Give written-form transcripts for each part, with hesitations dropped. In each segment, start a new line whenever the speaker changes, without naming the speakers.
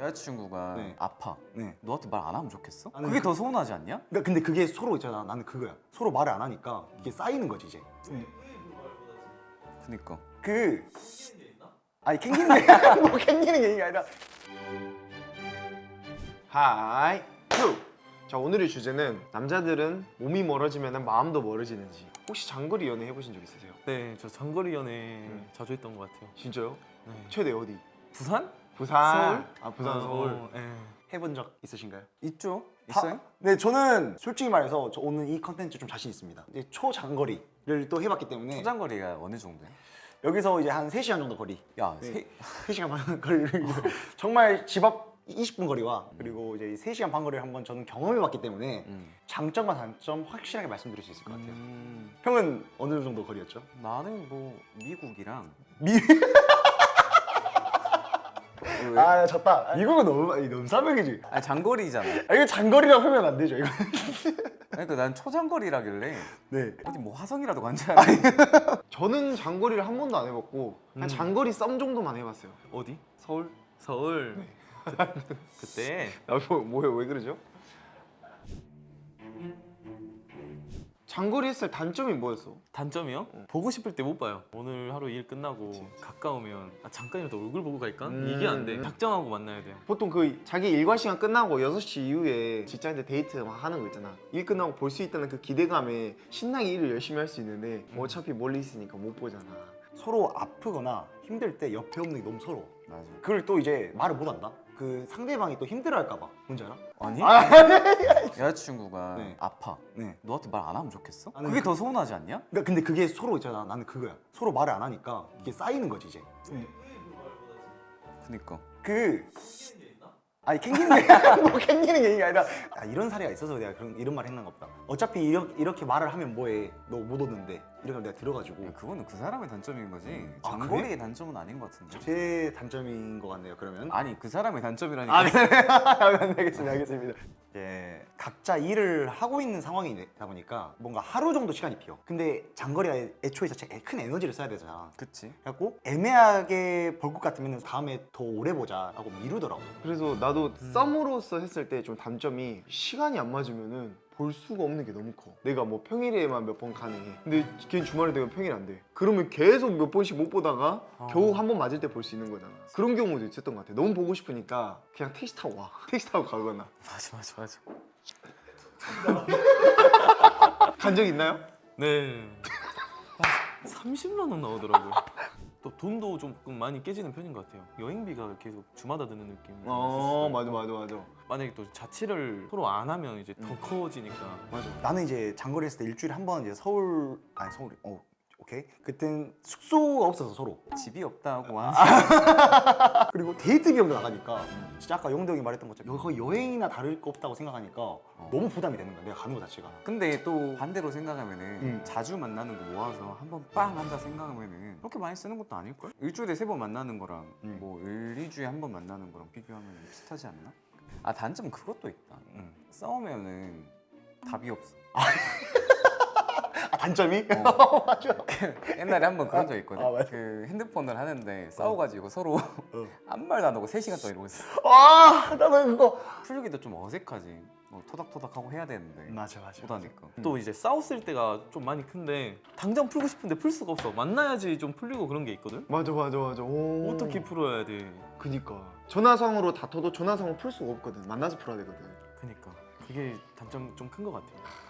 여자친구가
네.
아파.
네.
너한테 말 안 하면 좋겠어?
아니,
그게 더 서운하지 않냐?
그러니까 근데 그게 서로 있잖아. 나는 그거야. 서로 말을 안 하니까 이게 쌓이는 거지 이제.
그니까.
그 아니 캥기는 게 뭐 캥기는 게 얘기 아니라.
하이 큐! 자, 오늘의 주제는 남자들은 몸이 멀어지면 마음도 멀어지는지. 혹시 장거리 연애 해보신 적 있으세요?
네, 저 장거리 연애 자주 했던 것 같아요.
진짜요?
네.
최대 어디?
부산?
부산.
서울?
아, 부산, 서울.
네.
해본 적 있으신가요?
있죠? 있어요?
네, 저는 솔직히 말해서 저 오늘 이 컨텐츠 좀 자신 있습니다. 이제 초장거리를 또 해봤기 때문에
초장거리가 어느 정도야?
여기서 이제 한 3시간 정도 거리.
야,
네. 3시간 반 거리를 정말 집 앞 20분 거리와 그리고 이제 3시간 반 거리를 한번 저는 경험해봤기 때문에 장점과 단점 확실하게 말씀드릴 수 있을 것 같아요. 형은 어느 정도 거리였죠?
나는 뭐 미국이랑
아, 졌다. 미국은 너무 사명이지.
아니 장거리잖아.
아, 이거 장거리라고 하면 안 되죠, 이거.
그러니까 난 초장거리라길래
네.
어디 뭐 화성이라도 간지 않아.
저는 장거리를 한 번도 안 해봤고 한 장거리 썸 정도만 해봤어요.
어디?
서울?
서울. 그때
뭐예요? 왜 그러죠? 장거리 했을 단점이 뭐였어?
단점이요? 보고 싶을 때 못 봐요. 오늘 하루 일 끝나고 가까우면 잠깐이라도 얼굴 보고 갈까? 이게 안 돼. 작정하고 만나야 돼요.
보통 그 자기 일과 시간 끝나고 6시 이후에 직장인들 데이트 막 하는 거 있잖아. 일 끝나고 볼 수 있다는 그 기대감에 신나게 일을 열심히 할 수 있는데 어차피 멀리 있으니까 못 보잖아.
서로 아프거나 힘들 때 옆에 없는 게 너무 서러워.
맞아.
그걸 또 이제 말을 못 한다? 그 상대방이 또 힘들어할까 봐. 뭔지 알아?
아니? 여자친구가
네.
아파.
네.
너한테 말 안 하면 좋겠어?
아니,
그게 더 서운하지 않냐?
그러니까 근데 그게 서로 있잖아. 나는 그거야. 서로 말을 안 하니까 이게 쌓이는 거지 이제.
그니까.
그 아니 캥기는 게 뭐 캥기는 게 아니라 이런 사례가 있어서 내가 이런 말 했나 보다. 어차피 이렇게 말을 하면 뭐해? 너 못 오는데 이렇게 하면 내가 들어가지고
그거는 그 사람의 단점인 거지.
아,
장거리의
그래?
단점은 아닌 것 같은데.
제 단점인 것 같네요. 그러면
아니 그 사람의 단점이라니까.
아, 그래. 알겠습니다. 이제 각자 일을 하고 있는 상황이다 보니까 뭔가 하루 정도 시간이 비어. 근데 장거리가 애초에 자체 큰 에너지를 써야 되잖아.
그치?
그래갖고 애매하게 볼 것 같으면 다음에 더 오래 보자라고 미루더라고.
그래서 나도 썸으로서 했을 때 좀 단점이 시간이 안 맞으면은 볼 수가 없는 게 너무 커. 내가 뭐 평일에만 몇 번 가능해. 근데 걔는 주말에 되면 평일 안 돼. 그러면 계속 몇 번씩 못 보다가 겨우 한 번 맞을 때 볼 수 있는 거잖아. 그런 경우도 있었던 것 같아. 너무 보고 싶으니까 그냥 택시 타고 와. 택시 타고 가거나.
맞아.
간 적 있나요?
네. 30만 원 나오더라고요. 또 돈도 조금 많이 깨지는 편인 것 같아요. 여행비가 계속 주마다 드는 느낌이 있었어요.
맞아.
만약에 또 자취를 서로 안 하면 이제 더 커지니까.
맞아.
나는 이제 장거리 했을 때 일주일에 한 번 이제 서울이 오케이. 그땐 숙소가 없어서 서로.
집이 없다고 하는
그리고 데이트 비용도 나가니까 진짜 아까 영도 형이 말했던 것처럼 거의 여행이나 다를 거 없다고 생각하니까 너무 부담이 되는 거야. 내가 가는 거 자체가.
근데 또 반대로 생각하면은 자주 만나는 거 모아서 한 번 빵 한다 생각하면은 그렇게 많이 쓰는 것도 아닐걸? 일주일에 3번 만나는 거랑 뭐 1~2주에 한 번 만나는 거랑 비교하면 비슷하지 않나? 아 단점은 그것도 있다. 싸우면은 답이 없어.
단점이?
맞아. 옛날에 한 번 그런 적 있거든.
맞아.
그 핸드폰을 하는데 싸워가지고 서로 아무 말도 안 하고 3시간 동안 이러고 있어.
나는 그거.
풀기도 좀 어색하지. 뭐 토닥토닥하고 해야 되는데
맞아.
못하니까.
또 이제 싸웠을 때가 좀 많이 큰데 당장 풀고 싶은데 풀 수가 없어. 만나야지 좀 풀리고 그런 게 있거든.
맞아. 오.
어떻게 풀어야 돼?
그니까 전화상으로 다퉈도 전화상으로 풀 수가 없거든. 만나서 풀어야 되거든.
그니까 그게 단점 좀 큰 것 같아요.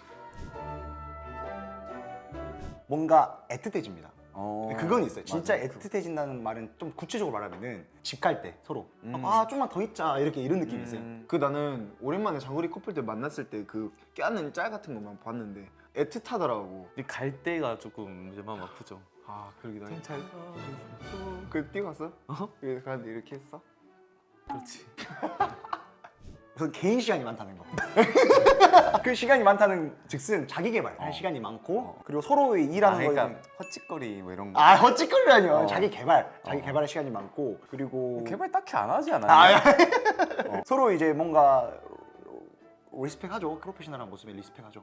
뭔가 애틋해집니다.
어,
그건 있어요. 진짜
맞아.
애틋해진다는 말은 좀 구체적으로 말하면은 집 갈 때 서로 좀만 더 있자 이런 느낌이 있어요.
그 나는 오랜만에 장거리 커플들 만났을 때 그 껴안는 짤 같은 것만 봤는데 애틋하더라고.
근데 갈 때가 조금 이제 마음 아프죠.
아, 그러기도 해.
잘 가.
그 뛰어갔어? 그래서 가는데 이렇게 했어?
그렇지.
우선 개인 시간이 많다는 거. 그 시간이 많다는 즉슨 자기 개발할 시간이 많고 그리고 서로의 일하는 거에
그러니까 헛짓거리 뭐 이런 거.
헛짓거리라뇨. 자기 개발할 시간이 많고 그리고
개발 딱히 안 하지 않아요?
서로 이제 뭔가 리스펙하죠. 프로페셔널한 모습에 리스펙하죠.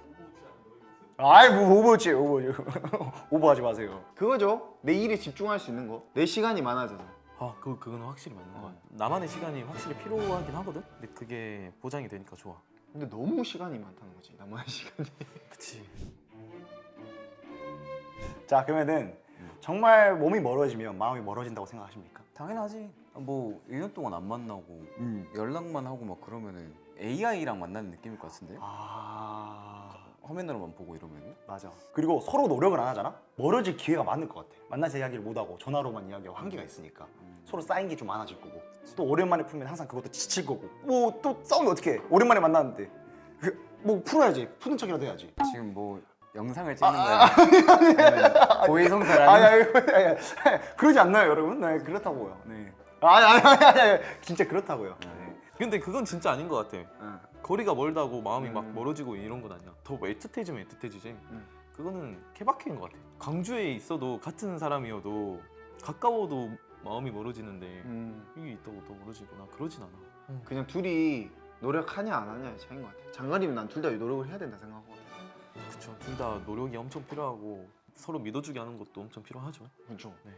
뭐 오버워치 오버하지 마세요.
그거죠. 내 일에 집중할 수 있는 거. 내 시간이 많아져서.
그건 확실히 맞는 것 같아. 나만의 시간이 확실히 필요하긴 하거든. 근데 그게 보장이 되니까 좋아.
근데 너무 시간이 많다는 거지. 나만의 시간이.
그치.
자 그러면은 정말 몸이 멀어지면 마음이 멀어진다고 생각하십니까?
당연하지. 뭐 1년 동안 안 만나고 연락만 하고 막 그러면은 AI랑 만나는 느낌일 것 같은데?
아
화면으로만 보고 이러면은?
맞아. 그리고 서로 노력을 안 하잖아? 멀어질 기회가 많을 것 같아. 만나서 이야기를 못하고 전화로만 이야기하고 한계가 있으니까 서로 쌓인 게 좀 많아질 거고 또 오랜만에 풀면 항상 그것도 지칠 거고 뭐 또 싸우면 어떡해. 오랜만에 만났는데 뭐 풀어야지. 푸는 척이라도 해야지.
지금 뭐 영상을 찍는 거야? 아니면 고해성사라는?
아니, 그러지 않나요 여러분? 네 그렇다고요. 네. 아니 진짜 그렇다고요. 네.
근데 그건 진짜 아닌 것 같아.
응.
거리가 멀다고 마음이 막 멀어지고 이런 건 아니야. 더 애틋해지면 애틋해지지. 그거는 케바케인 것 같아. 광주에 있어도 같은 사람이어도 가까워도 마음이 멀어지는데 이게 있다고 더 멀어지거나 그러진 않아.
그냥 둘이 노력하냐 안 하냐의 차이인 것 같아. 장가리면 난 둘 다 노력을 해야 된다 생각하거든.
그쵸. 둘 다 노력이 엄청 필요하고 서로 믿어주게 하는 것도 엄청 필요하죠.
그렇죠.
네.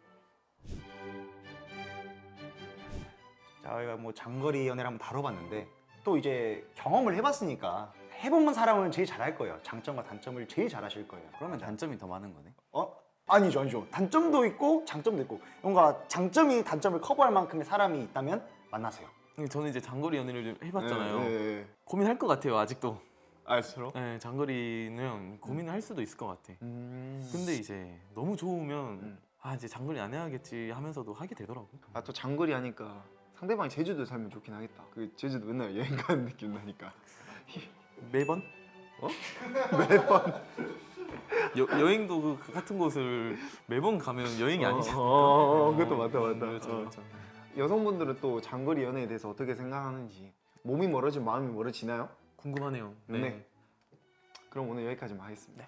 자, 저희가 뭐 장거리 연애를 한번 다뤄봤는데 또 이제 경험을 해봤으니까 해본 사람은 제일 잘할 거예요. 장점과 단점을 제일 잘하실 거예요.
그러면 단점이 더 많은 거네?
아니죠. 단점도 있고 장점도 있고 뭔가 장점이 단점을 커버할 만큼의 사람이 있다면 만나세요.
근데 저는 이제 장거리 연애를 좀 해봤잖아요.
네.
고민할 것 같아요 아직도.
알수록.
네, 장거리는 고민을 할 수도 있을 것 같아. 근데 이제 너무 좋으면 이제 장거리 안 해야겠지 하면서도 하게 되더라고.
아 또 장거리 하니까 상대방이 제주도 살면 좋긴 하겠다. 그 제주도 맨날 여행 가는 느낌 나니까.
매번?
매번.
여행도 그 같은 곳을 매번 가면 여행이 아니잖아.
그것도 맞다.
그렇죠.
여성분들은 또 장거리 연애에 대해서 어떻게 생각하는지, 몸이 멀어지면 마음이 멀어지나요?
궁금하네요.
네. 그럼 오늘 여기까지만 하겠습니다.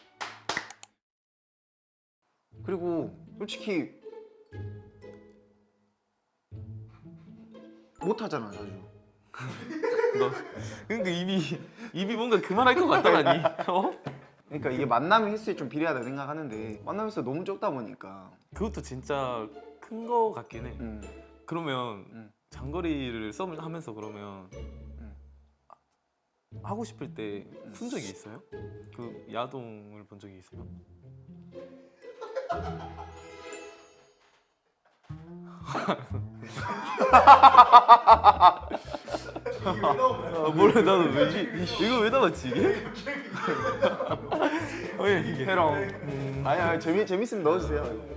그리고 솔직히 못 하잖아 자주.
너 그러니까 입이 뭔가 그만할 것 같다라니.
그러니까 이게 만남의 횟수에 좀 비례하다 생각하는데 만남 횟수가 너무 적다 보니까.
그것도 진짜 큰 거 같긴 해. 그러면
음.
장거리를 썸을 하면서 그러면 하고 싶을 때 푼 적이 있어요? 그 야동을 본 적이 있어요? 몰라 나도 왜지? 이거 왜 나왔지 이게? 왜 이게?
해롱. 아니야 재밌으면 넣어주세요.